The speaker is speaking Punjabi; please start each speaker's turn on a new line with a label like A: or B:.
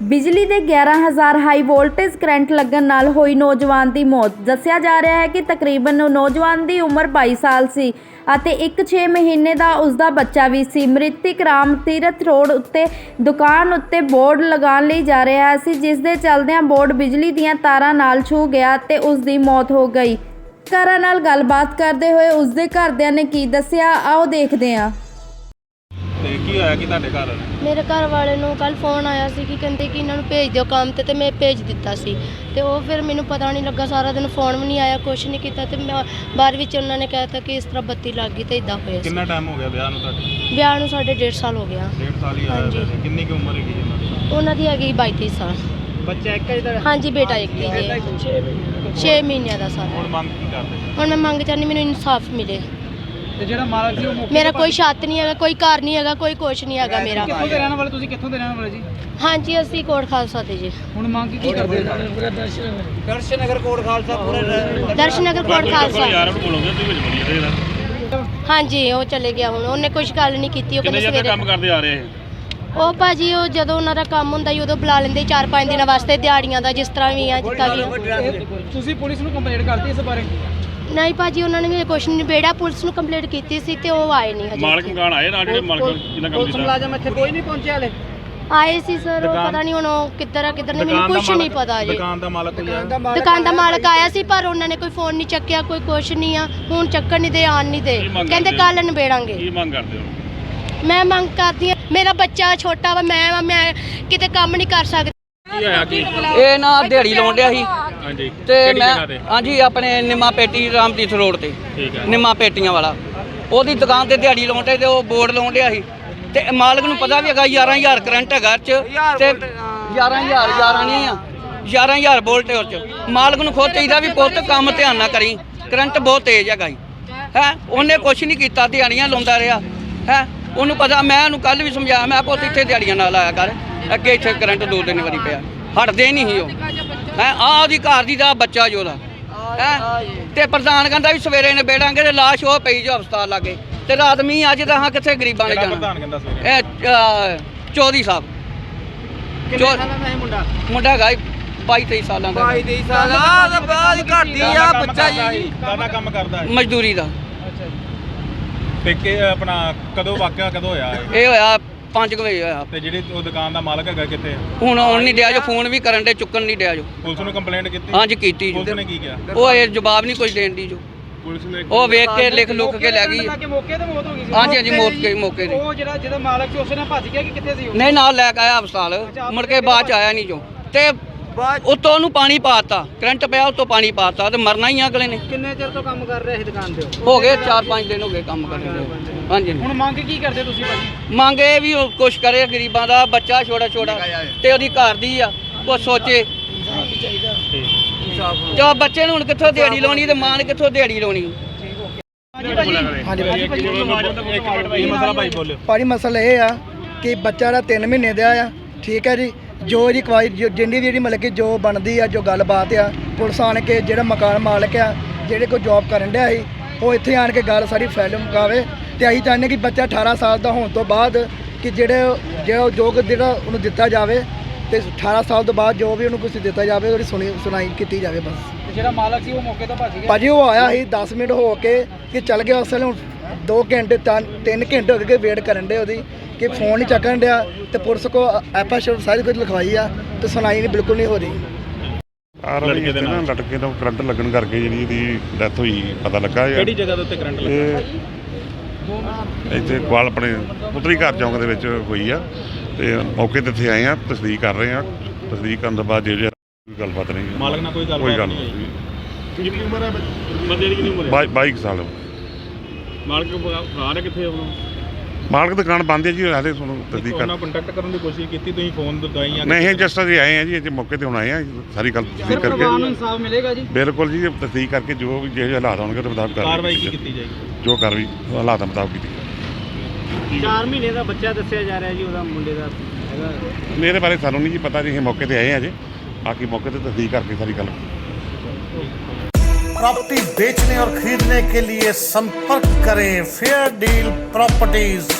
A: बिजली के 11,000 हाई वोल्टेज करंट लगन नाल होई नौजवान की मौत। दस्सिया जा रहा है कि तकरीबन नौजवान की उम्र 22 साल सी ਅਤੇ ਇੱਕ 6 ਮਹੀਨੇ ਦਾ ਉਸਦਾ ਬੱਚਾ ਵੀ ਸੀ। ਮ੍ਰਿਤਕ ਰਾਮ ਤੀਰਥ ਰੋਡ ਉੱਤੇ ਦੁਕਾਨ ਉੱਤੇ ਬੋਰਡ ਲਗਾਉਣ ਲਈ ਜਾ ਰਿਹਾ ਸੀ, ਜਿਸ ਦੇ ਚੱਲਦਿਆਂ ਬੋਰਡ ਬਿਜਲੀ ਦੀਆਂ ਤਾਰਾਂ ਨਾਲ ਛੂ ਗਿਆ ਤੇ ਉਸ ਦੀ ਮੌਤ ਹੋ ਗਈ। ਘਰਾਂ ਨਾਲ ਗੱਲਬਾਤ ਕਰਦੇ ਹੋਏ ਉਸਦੇ ਘਰਦਿਆਂ ਨੇ ਕੀ ਦੱਸਿਆ, ਆਓ ਦੇਖਦੇ ਹਾਂ।
B: ਤੇ ਕੀ ਹੋਇਆ ਕਿ ਤੁਹਾਡੇ ਘਰ?
C: ਮੇਰੇ ਘਰ ਵਾਲੇ ਨੂੰ ਕੱਲ ਫੋਨ ਆਇਆ ਸੀ ਕਿ ਕਹਿੰਦੇ ਕਿ ਇਹਨਾਂ ਨੂੰ ਭੇਜ ਦਿਓ ਕੰਮ ਤੇ ਮੈਂ ਭੇਜ ਦਿੱਤਾ ਸੀ ਤੇ ਉਹ ਫਿਰ ਮੈਨੂੰ ਪਤਾ ਨਹੀਂ ਲੱਗਾ, ਸਾਰਾ ਦਿਨ ਫੋਨ ਵੀ ਨਹੀਂ ਆਇਆ, ਕੁਛ ਨਹੀਂ ਕੀਤਾ ਤੇ ਮੈਂ ਬਾਅਦ ਵਿੱਚ ਉਹਨਾਂ ਨੇ ਕਹਿਤਾ ਕਿ ਇਸ ਤਰ੍ਹਾਂ ਬੱਤੀ ਲੱਗ ਗਈ ਤੇ ਇਦਾਂ ਹੋਇਆ।
B: ਕਿੰਨਾ ਟਾਈਮ ਹੋ ਗਿਆ ਵਿਆਹ ਨੂੰ ਤੁਹਾਡੇ?
C: ਵਿਆਹ ਨੂੰ ਸਾਡੇ 1.5 ਸਾਲ ਹੋ ਗਿਆ।
B: 1.5 ਸਾਲ ਹੀ ਹੋਇਆ। ਕਿੰਨੀ ਕੁ ਉਮਰ ਹੈਗੀ ਇਹਨਾਂ ਦੀ?
C: ਉਹਨਾਂ ਦੀ ਹੈਗੀ 22 ਸਾਲ।
B: ਬੱਚਾ ਇੱਕ ਹੀ ਤਾਂ?
C: ਹਾਂਜੀ, ਬੇਟਾ ਇੱਕ ਹੀ ਹੈ, 6 ਮਹੀਨਿਆਂ ਦਾ ਸਾਰਾ।
B: ਹੁਣ ਮੰਗ ਕੀ ਕਰਦੇ?
C: ਹੁਣ ਮੈਂ ਮੰਗ ਚਾਹੁੰਦੀ ਮੈਨੂੰ ਇਨਸਾਫ ਮਿਲੇ।
D: ਤੇ ਜਿਹੜਾ ਮਾਲਕ ਸੀ ਉਹ
C: ਮੇਰਾ ਕੋਈ ਛੱਤ ਨਹੀਂ ਹੈਗਾ, ਕੋਈ ਘਰ ਨਹੀਂ ਹੈਗਾ, ਕੋਈ ਕੁਛ ਨਹੀਂ ਹੈਗਾ ਮੇਰਾ।
D: ਕਿੱਥੋਂ ਦੇ ਰਹਿਣ ਵਾਲੇ ਤੁਸੀਂ? ਕਿੱਥੋਂ ਦੇ ਰਹਿਣ ਵਾਲੇ ਜੀ?
C: ਹਾਂਜੀ, ਅਸੀਂ ਕੋਟ ਖਾਲਸਾ ਦੇ ਜੀ।
D: ਹੁਣ ਮੰਗ ਕੀ ਕਰਦੇ? ਦਰਸ਼ਨਗਰ ਕੋਟ ਖਾਲਸਾ ਪੂਰਾ
C: ਦਰਸ਼ਨਗਰ ਕੋਟ ਖਾਲਸਾ। ਹਾਂਜੀ, ਉਹ ਚਲੇ ਗਿਆ। ਹੁਣ ਉਹਨੇ ਕੁਝ ਗੱਲ ਨਹੀਂ ਕੀਤੀ। ਉਹ ਕਹਿੰਦੇ ਸਵੇਰੇ
B: ਕੰਮ ਕਰਦੇ ਆ ਰਹੇ।
C: ਉਹ ਭਾਜੀ ਉਹ ਜਦੋਂ ਉਹਨਾਂ ਦਾ ਕੰਮ ਹੁੰਦਾ ਸੀ ਉਦੋਂ ਬੁਲਾ ਲੈਂਦੇ 4-5 ਦਿਨਾਂ ਵਾਸਤੇ ਦਿਹਾੜੀਆਂ ਦਾ, ਜਿਸ ਤਰ੍ਹਾਂ ਵੀ ਆ ਜਿੱਦਾਂ ਵੀ।
D: ਤੁਸੀਂ ਪੁਲਿਸ ਨੂੰ ਕੰਪਲੇਂਟ ਕਰਤੀ ਇਸ ਬਾਰੇ?
C: ਨਹੀਂ ਭਾਜੀ, ਉਹਨਾਂ ਨੇ ਵੀ ਕੁਛ ਨਹੀਂ ਨਿਬੇੜਿਆ। ਪੁਲਿਸ ਨੂੰ ਕੰਪਲੇਂਟ ਕੀਤੀ ਸੀ ਤੇ ਉਹ ਆਏ ਨਹੀਂ ਹਜੇ।
B: ਮਾਲਕ ਮਕਾਨ ਆਏ ਨਾਲ ਜਿਹੜੇ ਮਾਲਕ ਜਿੰਨਾ ਕੰਮ
D: ਪੁਲਿਸ
B: ਕੀਤਾ?
D: ਮੁਲਾਜ਼ਮ ਇੱਥੇ ਕੋਈ ਨਹੀਂ ਪਹੁੰਚਿਆ ਹਲੇ?
C: ਆਏ ਸੀ ਸਰ, ਉਹ ਪਤਾ ਨਹੀਂ ਹੁਣ ਉਹ ਕਿੱਧਰ ਆ ਕਿੱਧਰ ਨਹੀਂ, ਮੈਨੂੰ ਕੁਛ ਨਹੀਂ ਪਤਾ ਜੀ।
B: ਦੁਕਾਨ ਦਾ ਮਾਲਕ
C: ਦੁਕਾਨ ਦਾ ਮਾਲਕ ਆਇਆ ਸੀ ਪਰ ਉਹਨਾਂ ਨੇ ਕੋਈ ਫੋਨ ਨਹੀਂ ਚੱਕਿਆ, ਕੋਈ ਕੁਛ ਨਹੀਂ ਆ। ਹੁਣ ਚੱਕਣ ਨਹੀਂ ਦੇ, ਆਣ ਨਹੀਂ ਦੇ, ਕਹਿੰਦੇ ਕੱਲ ਨਿਬੇੜਾਂਗੇ।
B: ਕੀ ਮੰਗ ਕਰਦੇ ਹੋ?
C: ਮੈਂ ਮੰਗ ਕਰਦੀ ਹਾਂ, ਮੇਰਾ ਬੱਚਾ ਛੋਟਾ ਵਾ, ਮੈਂ ਕਿਤੇ ਕੰਮ ਨਹੀਂ ਕਰ ਸਕਦੀ।
B: ਕੀ ਹੋਇਆ ਕੀ?
E: ਇਹ ਨਾ ਦਿਹਾੜੀ ਲਾਉਣ ਡਿਆ ਸੀ
B: ਹਾਂਜੀ
E: ਤੇ
B: ਕਿਹੜੀ
E: ਮੈਂ
B: ਜਗ੍ਹਾ ਤੇ?
E: ਹਾਂਜੀ ਆਪਣੇ ਨਿੰਮਾ ਪੇਟੀ ਰਾਮਤੀਰਥ ਰੋਡ ਤੇ
B: ਠੀਕ ਹੈ।
E: ਨਿੰਮਾ ਪੇਟੀਆਂ ਵਾਲਾ ਉਹਦੀ ਦੁਕਾਨ ਤੇ ਦਿਹਾੜੀ ਲਾਉਣ ਤੇ ਉਹ ਬੋਰਡ ਲਾਉਣ ਡਿਆ ਸੀ ਤੇ ਮਾਲਕ ਨੂੰ ਪਤਾ ਵੀ ਹੈਗਾ 11,000 ਕਰੰਟ ਹੈਗਾ ਚ ਤੇ 11,000 ਨਹੀਂ ਆ 11,000 ਵੋਲਟ ਉਹ ਚ। ਮਾਲਕ ਨੂੰ ਖੁਦ ਚਾਹੀਦਾ ਵੀ ਪੁੱਤ ਕੰਮ ਧਿਆਨ ਨਾਲ ਕਰੀ, ਕਰੰਟ ਬਹੁਤ ਤੇਜ਼ ਹੈਗਾ ਹੈ। ਉਹਨੇ ਕੁਛ ਨਹੀਂ ਕੀਤਾ, ਦਿਹਾੜੀਆਂ ਲਾਉਂਦਾ ਰਿਹਾ ਹੈ। ਉਹਨੂੰ ਪਤਾ, ਮੈਂ ਉਹਨੂੰ ਕੱਲ ਵੀ ਸਮਝਾਇਆ, ਮੈਂ ਪੁੱਤ ਇੱਥੇ ਦਿਹਾੜੀਆਂ ਨਾਲ ਆਇਆ ਕਰ, ਅੱਗੇ ਇੱਥੇ ਕਰੰਟ 2-3 ਵਾਰੀ ਪਿਆ, ਹਟਦੇ ਨਹੀਂ ਸੀ ਉਹ ਹੈ। ਆਹ ਉਹਦੀ ਘਰ ਦੀ ਦਾ ਬੱਚਾ ਜੋ ਉਹਦਾ ਹੈ ਤੇ ਪ੍ਰਧਾਨ ਕਹਿੰਦਾ ਵੀ ਸਵੇਰੇ ਨਿਬੇੜਾਂਗੇ ਤੇ ਲਾਸ਼ ਉਹ ਪਈ ਜੋ ਹਸਪਤਾਲ ਲਾਗੇ ਤੇ ਰਾਤ ਮੀਂਹ ਅੱਜ ਤਾਂ ਹਾਂ ਕਿੱਥੇ ਗਰੀਬਾਂ ਨੇ ਜਾਣਾ।
B: ਪ੍ਰਧਾਨ ਕਹਿੰਦਾ ਸਵੇਰੇ
E: ਇਹ ਚੌਧਰੀ ਸਾਹਿਬ।
D: ਕਿੰਨੇ ਸਾਲਾਂ ਦਾ ਹੈ ਮੁੰਡਾ?
E: ਮੁੰਡਾ ਹੈਗਾ 22-23 ਸਾਲਾਂ ਦਾ।
D: 22 ਸਾਲ ਆ ਬਾਅਦ ਘਟਦੀ ਆ ਬੱਚਾ ਜੀ।
B: ਕਾਹਦਾ ਕੰਮ ਕਰਦਾ ਹੈ?
E: ਮਜ਼ਦੂਰੀ ਦਾ।
B: ਤੇ ਕਿ ਆਪਣਾ ਕਦੋਂ ਵਾਕਿਆ ਕਦੋਂ ਹੋਇਆ ਇਹ?
E: ਇਹ ਹੋਇਆ 5 ਵਜੇ ਹੋਇਆ।
B: ਤੇ ਜਿਹੜੀ ਉਹ ਦੁਕਾਨ ਦਾ ਮਾਲਕ ਹੈਗਾ ਕਿੱਥੇ?
E: ਹੁਣ ਆਉਣ ਨਹੀਂ ਡਿਆ ਜੋ, ਫੋਨ ਵੀ ਕਰਨ ਦੇ, ਚੁੱਕਣ ਨਹੀਂ ਡਿਆ ਜੋ।
B: ਪੁਲਿਸ ਨੂੰ ਕੰਪਲੇਂਟ ਕੀਤੀ?
E: ਹਾਂਜੀ ਕੀਤੀ ਜੋ।
B: ਪੁਲਿਸ ਨੇ ਕੀ ਕਿਹਾ?
E: ਉਹ ਇਹ ਜਵਾਬ ਨਹੀਂ ਕੁਝ ਦੇਣ ਦੀ ਜੋ।
B: ਪੁਲਿਸ ਨੇ
E: ਉਹ ਵੇਖ ਕੇ ਲਿਖ ਲੁੱਕ ਕੇ ਲੈ ਗਈ।
D: ਮੌਕੇ ਤੇ ਮੌਤ ਹੋ ਗਈ ਸੀ?
E: ਹਾਂਜੀ ਹਾਂਜੀ, ਮੌਕੇ ਤੇ।
D: ਉਹ ਜਿਹਦਾ ਮਾਲਕ ਸੀ ਉਸਨੇ ਭੱਜ ਗਿਆ ਕਿ ਕਿੱਥੇ ਸੀ ਉਹ?
E: ਨਹੀਂ, ਨਾਲ ਲੈ ਕੇ ਆਇਆ ਹਸਪਤਾਲ, ਮੁੜ ਕੇ ਬਾਅਦ ਚ ਆਇਆ ਨਹੀਂ ਜੋ। ਤੇ ਉੱਤੋਂ ਉਹਨੂੰ ਪਾਣੀ ਪਾਤਾ, ਕਰੰਟ ਪਿਆ ਉੱਤੋਂ ਪਾਣੀ ਪਾਤਾ ਤੇ ਮਰਨਾ ਹੀ ਅਗਲੇ ਨੇ।
D: ਕਿੰਨੇ ਚਿਰ ਤੋਂ ਕੰਮ ਕਰ ਰਹੇ ਸੀ ਦੁਕਾਨ ਤੇ?
E: ਹੋ ਗਏ 4-5 ਦਿਨ ਹੋ ਗਏ ਕੰਮ ਕਰਦੇ। ਹਾਂਜੀ।
D: ਹੁਣ ਮੰਗ ਕੀ ਕਰਦੇ ਤੁਸੀਂ ਭਾਜੀ?
E: ਮੰਗ ਇਹ ਵੀ ਉਹ ਕੁਛ ਕਰੇ, ਗਰੀਬਾਂ ਦਾ ਬੱਚਾ ਛੋਟਾ ਤੇ ਉਹਦੀ ਘਰ ਦੀ ਆ, ਉਹ ਸੋਚੇ। ਜੋ ਬੱਚੇ ਨੂੰ ਹੁਣ ਕਿੱਥੋਂ ਦਿਹਾੜੀ ਲਾਉਣੀ ਤੇ ਮਾਂ ਨੇ ਕਿੱਥੋਂ ਦਿਹਾੜੀ ਲਾਉਣੀ?
F: ਭਾਜੀ ਮਸਲਾ ਇਹ ਆ ਕਿ ਬੱਚਾ ਦਾ 3 ਮਹੀਨੇ ਦਾ ਆ, ਠੀਕ ਹੈ ਜੀ। ਜੋ ਇਹਦੀ ਕਵਾਈ ਜਿੰਨੀ ਵੀ ਜਿਹੜੀ ਮਤਲਬ ਕਿ ਜੋ ਬਣਦੀ ਆ, ਜੋ ਗੱਲਬਾਤ ਆ, ਪੁਲਿਸ ਆਣ ਕੇ ਜਿਹੜਾ ਮਕਾਨ ਮਾਲਕ ਆ, ਜਿਹੜੇ ਕੋਈ ਜੌਬ ਕਰਨ ਡਿਆ ਸੀ, ਉਹ ਇੱਥੇ ਆਣ ਕੇ ਗੱਲ ਸਾਰੀ ਫੈਲ ਮੁਕਾਵੇ। ਤੇ ਅਸੀਂ ਚਾਹੁੰਦੇ ਕਿ ਬੱਚਾ 18 ਸਾਲ ਦਾ ਹੋਣ ਤੋਂ ਬਾਅਦ ਕਿ ਜਿਹੜਾ ਉਹਨੂੰ ਦਿੱਤਾ ਜਾਵੇ ਤੇ 18 ਸਾਲ ਤੋਂ ਬਾਅਦ ਜੋ ਵੀ ਉਹਨੂੰ ਕੁਝ ਦਿੱਤਾ ਜਾਵੇ ਉਹਦੀ ਸੁਣਾਈ ਕੀਤੀ ਜਾਵੇ ਬਸ।
D: ਜਿਹੜਾ ਮਾਲਕ ਸੀ ਉਹ ਮੌਕੇ ਤੋਂ ਭੱਜ ਗਿਆ?
F: ਭਾਜੀ ਉਹ ਆਇਆ ਸੀ 10 ਮਿੰਟ ਹੋ ਕੇ ਕਿ ਚੱਲ ਗਿਆ। ਉਸ ਵੇਲੇ ਹੁਣ 2 ਘੰਟੇ 3 ਘੰਟੇ ਹੋ ਗਏ ਵੇਟ ਕਰਨ ਦੇ ਉਹਦੀ ਕਿ ਫੋਨ ਨਹੀਂ ਚੱਕਣ ਡਿਆ ਤੇ ਪੁਲਿਸ ਕੋ ਐਫਆਈਆਰ ਸਾਰੀ ਕੁਝ ਲਿਖਵਾਈ ਆ ਤੇ ਸੁਣਾਈ ਨਹੀਂ, ਬਿਲਕੁਲ ਨਹੀਂ ਹੋ ਰਹੀ।
G: ਲੜਕੇ ਦੇ ਨਾਲ ਲਟਕੇ ਤੋਂ ਕਰੰਟ ਲੱਗਣ ਕਰਕੇ ਜਿਹੜੀ ਇਹਦੀ ਡੈਥ ਹੋਈ ਪਤਾ ਲੱਗਾ।
B: ਕਿਹੜੀ ਜਗ੍ਹਾ ਦੇ ਉੱਤੇ ਕਰੰਟ ਲੱਗਾ?
G: ਇੱਥੇ ਕੋਲ ਆਪਣੇ ਪੁੱਤਰੀ ਘਰ ਚੌਂਕ ਦੇ ਵਿੱਚ ਹੋਈ ਆ ਤੇ ਮੌਕੇ ਤੇ ਇੱਥੇ ਆਏ ਆ, ਤਸਦੀਕ ਕਰ ਰਹੇ ਆ। ਤਸਦੀਕ ਕਰਨ ਤੋਂ ਬਾਅਦ ਜੇ ਗੱਲਬਾਤ ਨਹੀਂ,
B: ਮਾਲਕ ਨਾਲ ਕੋਈ ਗੱਲ
G: ਨਹੀਂ।
B: ਕਿੰਨੀ ਉਮਰ ਹੈ ਬੰਦੇ ਦੀ? ਕਿੰਨੀ ਉਮਰ ਹੈ?
G: 22 ਸਾਲ।
B: ਮਾਲਕ ਫਰਾਰ ਹੈ ਕਿੱਥੇ? ਉਹ
G: ਮਾਲਕ ਦੁਕਾਨ ਬੰਦ ਹੈ ਜੀ, ਹਾਲੇ ਤੁਹਾਨੂੰ ਤਸਦੀਕ ਕਰ।
B: ਉਹਨਾਂ ਕੰਟੈਕਟ ਕਰਨ ਦੀ ਕੋਸ਼ਿਸ਼ ਕੀਤੀ ਤੁਸੀਂ? ਫੋਨ ਦਵਾਈਆਂ?
G: ਨਹੀਂ, ਜਸਟ ਅਸੀਂ ਆਏ ਆ ਜੀ, ਇੱਥੇ ਮੌਕੇ ਤੇ ਹੁਣ ਆਏ ਆ, ਸਾਰੀ ਗੱਲ ਤਸਦੀਕ ਕਰਕੇ।
D: ਪਰਿਵਾਰ ਨੂੰ ਇਨਸਾਫ ਮਿਲੇਗਾ ਜੀ?
G: ਬਿਲਕੁਲ ਜੀ, ਤਸਦੀਕ ਕਰਕੇ ਜੋ ਵੀ ਜਿਹੇ ਹਾਲਾਤ ਹੋਣਗੇ ਉਹਦੇ ਮੁਤਾਬਕ
B: ਕਾਰਵਾਈ ਕੀ ਕੀਤੀ ਜਾਏਗੀ?
G: ਜੋ ਕਾਰਵਾਈ ਹਾਲਾਤਾਂ ਮੁਤਾਬਕ ਕੀਤੀ।
D: 4 ਮਹੀਨੇ ਦਾ ਬੱਚਾ ਦੱਸਿਆ ਜਾ ਰਿਹਾ ਜੀ ਉਹਦਾ, ਮੁੰਡੇ ਦਾ ਹੈਗਾ।
G: ਮੇਰੇ ਬਾਰੇ ਸਾਨੂੰ ਨਹੀਂ ਜੀ ਪਤਾ ਜੀ, ਅਸੀਂ ਮੌਕੇ ਤੇ ਆਏ ਆ ਜੀ, बाकी मौके पे तस्दीक करके सारी गल।
H: प्रॉपर्टी बेचने और खरीदने के लिए संपर्क करें फेयर डील प्रॉपर्टीज।